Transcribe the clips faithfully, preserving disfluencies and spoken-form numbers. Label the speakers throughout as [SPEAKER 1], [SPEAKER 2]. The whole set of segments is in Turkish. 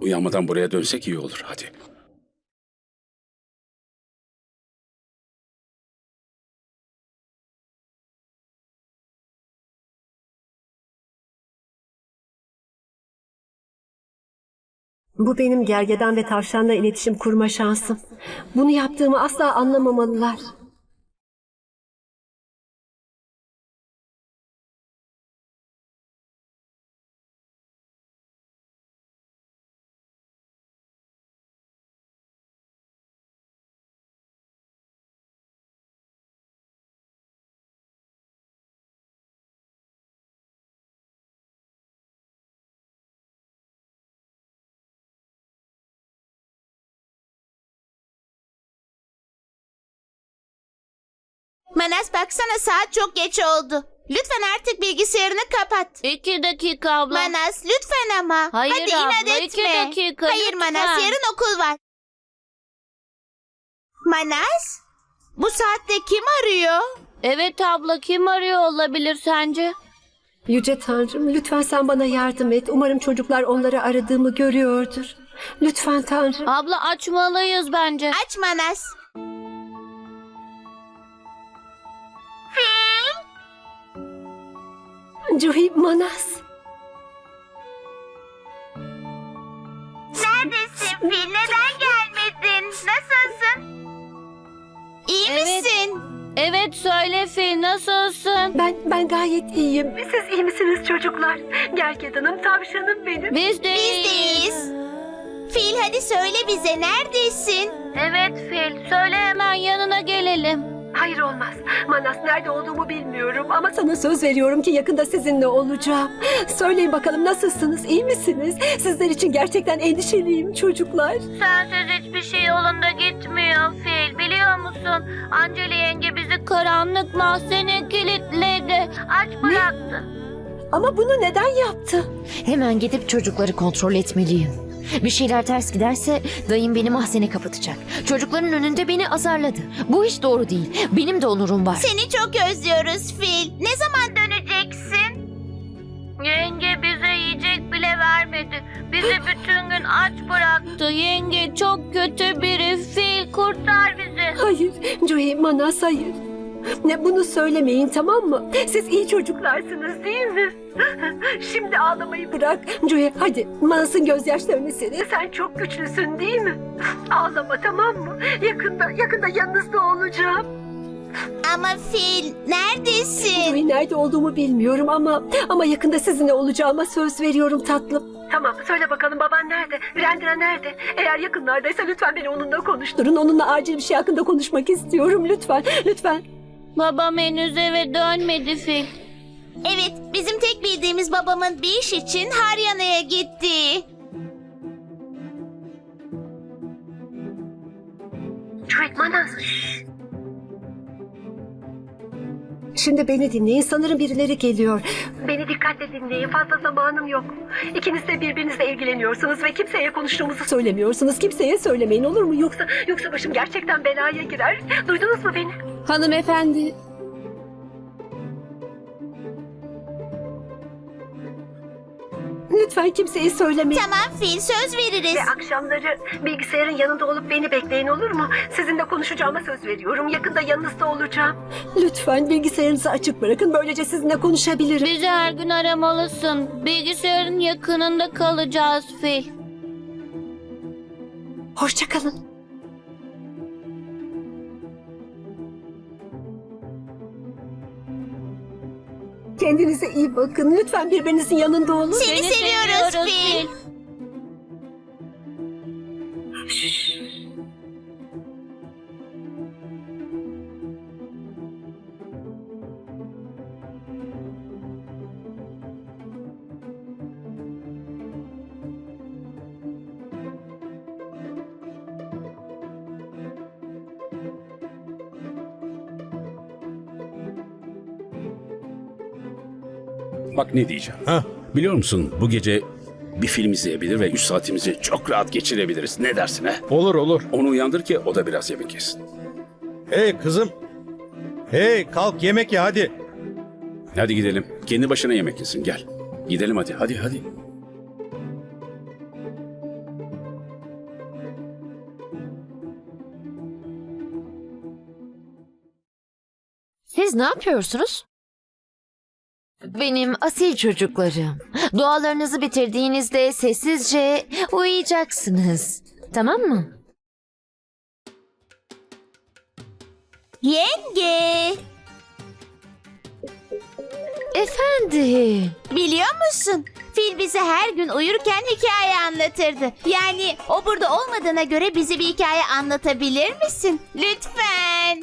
[SPEAKER 1] Uyanmadan buraya dönsek iyi olur. Hadi.
[SPEAKER 2] Bu benim gergedan ve tavşanla iletişim kurma şansım. Bunu yaptığımı asla anlamamalılar.
[SPEAKER 3] Manas baksana saat çok geç oldu. Lütfen artık bilgisayarını kapat.
[SPEAKER 4] İki dakika abla.
[SPEAKER 3] Manas lütfen ama.
[SPEAKER 4] Hayır
[SPEAKER 3] Hadi
[SPEAKER 4] abla,
[SPEAKER 3] inat
[SPEAKER 4] iki
[SPEAKER 3] etme.
[SPEAKER 4] dakika,
[SPEAKER 3] Hayır
[SPEAKER 4] lütfen.
[SPEAKER 3] Manas yarın okul var. Manas? Bu saatte kim arıyor?
[SPEAKER 4] Evet abla, kim arıyor olabilir sence?
[SPEAKER 2] Yüce Tanrım, lütfen sen bana yardım et. Umarım çocuklar onları aradığımı görüyordur. Lütfen Tanrım.
[SPEAKER 4] Abla açmalıyız bence.
[SPEAKER 3] Aç Manas.
[SPEAKER 2] Juhi, Manas.
[SPEAKER 3] Neredesin Fil? Neden gelmedin? Nasılsın? İyi
[SPEAKER 4] Evet.
[SPEAKER 3] misin?
[SPEAKER 4] Evet söyle Fil, nasılsın?
[SPEAKER 2] Ben ben gayet iyiyim. Siz iyi misiniz çocuklar? Gergedanım, tavşanım benim.
[SPEAKER 4] Biz de
[SPEAKER 3] Biz deyiz. Fil hadi söyle bize neredesin?
[SPEAKER 4] Evet Fil, söyle hemen yanına gelelim.
[SPEAKER 2] Hayır olmaz. Manas, nerede olduğumu bilmiyorum ama sana söz veriyorum ki yakında sizinle olacağım. Söyleyin bakalım, nasılsınız? İyi misiniz? Sizler için gerçekten endişeliyim çocuklar.
[SPEAKER 4] Sensiz hiçbir şey yolunda gitmiyor Fil, biliyor musun? Anceli yenge bizi karanlık mahzene kilitledi. Aç bıraktı.
[SPEAKER 2] Ama bunu neden yaptı?
[SPEAKER 5] Hemen gidip çocukları kontrol etmeliyim. Bir şeyler ters giderse dayım beni mahzene kapatacak. Çocukların önünde beni azarladı. Bu hiç doğru değil. Benim de onurum var.
[SPEAKER 3] Seni çok özlüyoruz Fil. Ne zaman döneceksin?
[SPEAKER 4] Yenge bize yiyecek bile vermedi. Bizi bütün gün aç bıraktı. Yenge çok kötü biri. Fil kurtar bizi.
[SPEAKER 2] Hayır, Joey, Manas, hayır. Ne, bunu söylemeyin, tamam mı? Siz iyi çocuklarsınız değil mi? Şimdi ağlamayı bırak. Joey, hadi Manas'ın gözyaşlarını sil. Sen çok güçlüsün değil mi? Ağlama, tamam mı? Yakında, yakında yanınızda olacağım.
[SPEAKER 3] Ama Fil neredesin?
[SPEAKER 2] Joey, nerede olduğumu bilmiyorum ama ama yakında sizinle olacağıma söz veriyorum tatlım. Tamam, söyle bakalım, baban nerede? Virendra nerede? Eğer yakınlardaysa lütfen beni onunla konuşturun. Onunla acil bir şey hakkında konuşmak istiyorum. Lütfen, lütfen.
[SPEAKER 4] Babam henüz eve dönmedi Fil.
[SPEAKER 3] Evet, bizim tek bildiğimiz babamın bir iş için Haryana'ya gitti.
[SPEAKER 2] Joey, Manas. Şimdi beni dinleyin. Sanırım birileri geliyor. Beni dikkatle dinleyin. Fazla zamanım yok. İkiniz de birbirinizle ilgileniyorsunuz ve kimseye konuştuğumuzu söylemiyorsunuz. Kimseye söylemeyin, olur mu? Yoksa yoksa başım gerçekten belaya girer. Duydunuz mu beni?
[SPEAKER 6] Hanımefendi,
[SPEAKER 2] Lütfen kimseye söylemeyin.
[SPEAKER 3] Tamam Fil, söz veririz.
[SPEAKER 2] Ve akşamları bilgisayarın yanında olup beni bekleyin, olur mu? Sizinle konuşacağıma söz veriyorum. Yakında yanınızda olacağım. Lütfen bilgisayarınızı açık bırakın. Böylece sizinle konuşabilirim.
[SPEAKER 4] Bizi her gün aramalısın. Bilgisayarın yakınında kalacağız Fil.
[SPEAKER 2] Hoşça kalın. Kendinize iyi bakın. Lütfen birbirinizin yanında olun.
[SPEAKER 3] Seni seviyoruz Fil.
[SPEAKER 1] Bak ne diyeceğim.
[SPEAKER 7] Hah.
[SPEAKER 1] Biliyor musun, bu gece bir film izleyebilir ve üç saatimizi çok rahat geçirebiliriz. Ne dersin he?
[SPEAKER 7] Olur olur.
[SPEAKER 1] Onu uyandır ki o da biraz yemek yesin.
[SPEAKER 7] Hey kızım. Hey kalk yemek ye hadi.
[SPEAKER 1] Hadi gidelim. Kendi başına yemek yesin, gel. Gidelim hadi, hadi, hadi.
[SPEAKER 5] Siz ne yapıyorsunuz? Benim asil çocuklarım. Dualarınızı bitirdiğinizde sessizce uyuyacaksınız. Tamam mı?
[SPEAKER 3] Yenge,
[SPEAKER 5] Efendim.
[SPEAKER 3] biliyor musun? Fil bize her gün uyurken hikaye anlatırdı. Yani o burada olmadığına göre bize bir hikaye anlatabilir misin? Lütfen.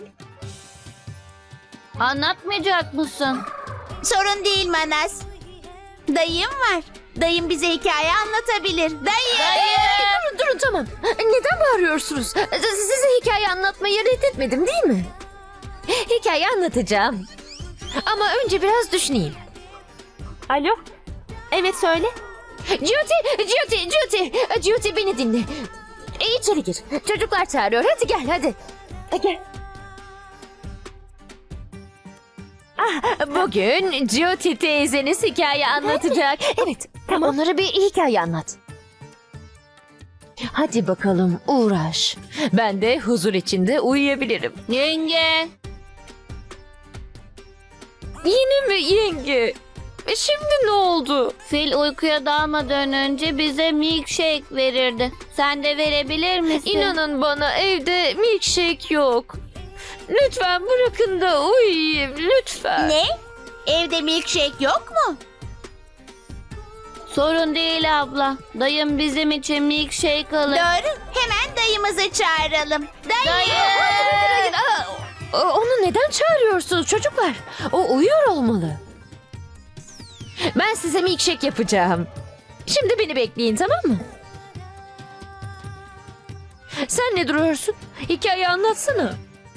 [SPEAKER 4] Anlatmayacak mısın?
[SPEAKER 3] Sorun değil Manas. Dayım var. Dayım bize hikaye anlatabilir. Dayı.
[SPEAKER 5] Durun durun tamam. Neden bağırıyorsunuz? Size hikaye anlatmayı reddetmedim değil mi? Hikaye anlatacağım. Ama önce biraz düşüneyim.
[SPEAKER 6] Alo? Evet söyle.
[SPEAKER 5] Jyoti, Jyoti, Jyoti. Jyoti beni dinle. E, içeri gir. Çocuklar çağırıyor. Hadi gel hadi. E, Gel. Ah, bugün Jyoti teyzeniz hikaye anlatacak. Evet, onlara bir hikaye anlat. Hadi bakalım uğraş. Ben de huzur içinde uyuyabilirim.
[SPEAKER 4] Yenge.
[SPEAKER 5] Yine mi yenge? E, Şimdi ne oldu?
[SPEAKER 4] Fil uykuya dalmadan önce bize milkshake verirdi. Sen de verebilir misin?
[SPEAKER 5] İnanın bana evde milkshake yok. Lütfen bırakın da uyuyayım lütfen.
[SPEAKER 3] Ne? Evde milkshake yok mu?
[SPEAKER 4] Sorun değil abla. Dayım bizim için milkshake alır.
[SPEAKER 3] Doğru. Hemen dayımızı çağıralım. Dayı.
[SPEAKER 5] Hayır, aa, o- Onu neden çağırıyorsunuz çocuklar? O uyuyor olmalı. Ben size milkshake yapacağım. Şimdi beni bekleyin tamam mı? Sen ne duruyorsun? Hikaye anlatsana.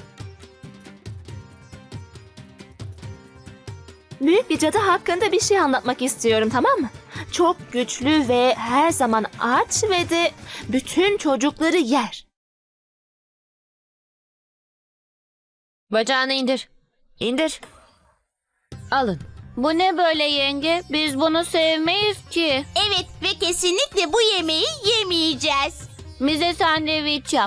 [SPEAKER 6] Büyük bir cadı hakkında bir şey anlatmak istiyorum tamam mı? Çok güçlü ve her zaman aç ve de bütün çocukları yer.
[SPEAKER 5] Bacağını indir. İndir. Alın.
[SPEAKER 4] Bu ne böyle yenge? Biz bunu sevmeyiz ki.
[SPEAKER 3] Evet ve kesinlikle bu yemeği yemeyeceğiz.
[SPEAKER 4] Bize sandviç yap.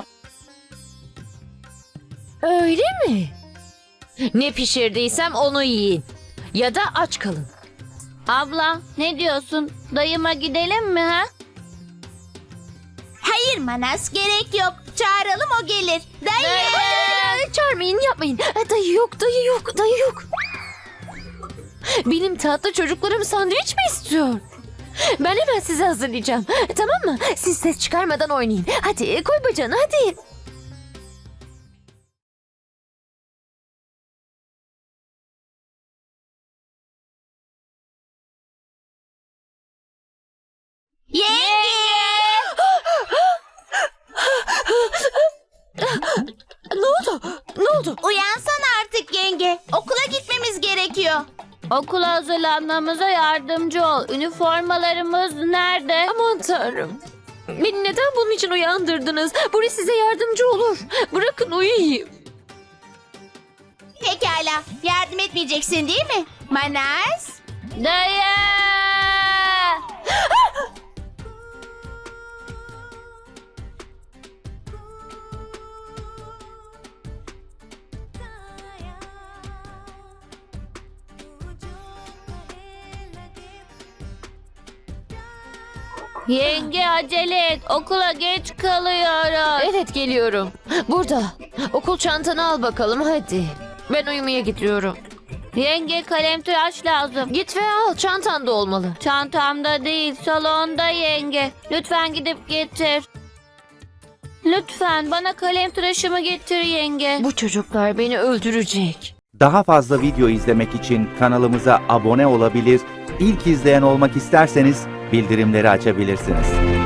[SPEAKER 5] Öyle mi? Ne pişirdiysem onu yiyin. Ya da aç kalın.
[SPEAKER 4] Abla ne diyorsun? Dayıma gidelim mi ha?
[SPEAKER 3] Hayır Manas, gerek yok. Çağıralım, o gelir. Dayı.
[SPEAKER 5] Ay, çağırmayın yapmayın. Ay, Dayı yok dayı yok dayı yok. Benim tatlı çocuklarım sandviç mi istiyor? Ben hemen size hazırlayacağım. Tamam mı? Siz ses çıkarmadan oynayın. Hadi koy bacağını hadi.
[SPEAKER 3] Yenge.
[SPEAKER 5] Ne oldu? Ne oldu?
[SPEAKER 3] Uyansana artık yenge. Okula gitmemiz gerekiyor.
[SPEAKER 4] Okula hazırlanmamıza yardımcı ol. Üniformalarımız nerede?
[SPEAKER 5] Aman tanrım. Beni neden bunun için uyandırdınız? Burası size yardımcı olur. Bırakın uyuyayım.
[SPEAKER 3] Pekala. Yardım etmeyeceksin değil mi? Manas.
[SPEAKER 4] Dayı! Yenge acele et. Okula geç kalıyoruz.
[SPEAKER 5] Evet geliyorum. Burada. Okul çantanı al bakalım hadi. Ben uyumaya gidiyorum.
[SPEAKER 4] Yenge kalem tıraş lazım.
[SPEAKER 5] Git ve al çantanda olmalı.
[SPEAKER 4] Çantamda değil, salonda yenge. Lütfen gidip getir. Lütfen bana kalem tıraşımı getir yenge.
[SPEAKER 5] Bu çocuklar beni öldürecek.
[SPEAKER 8] Daha fazla video izlemek için kanalımıza abone olabilir, ilk izleyen olmak isterseniz bildirimleri açabilirsiniz.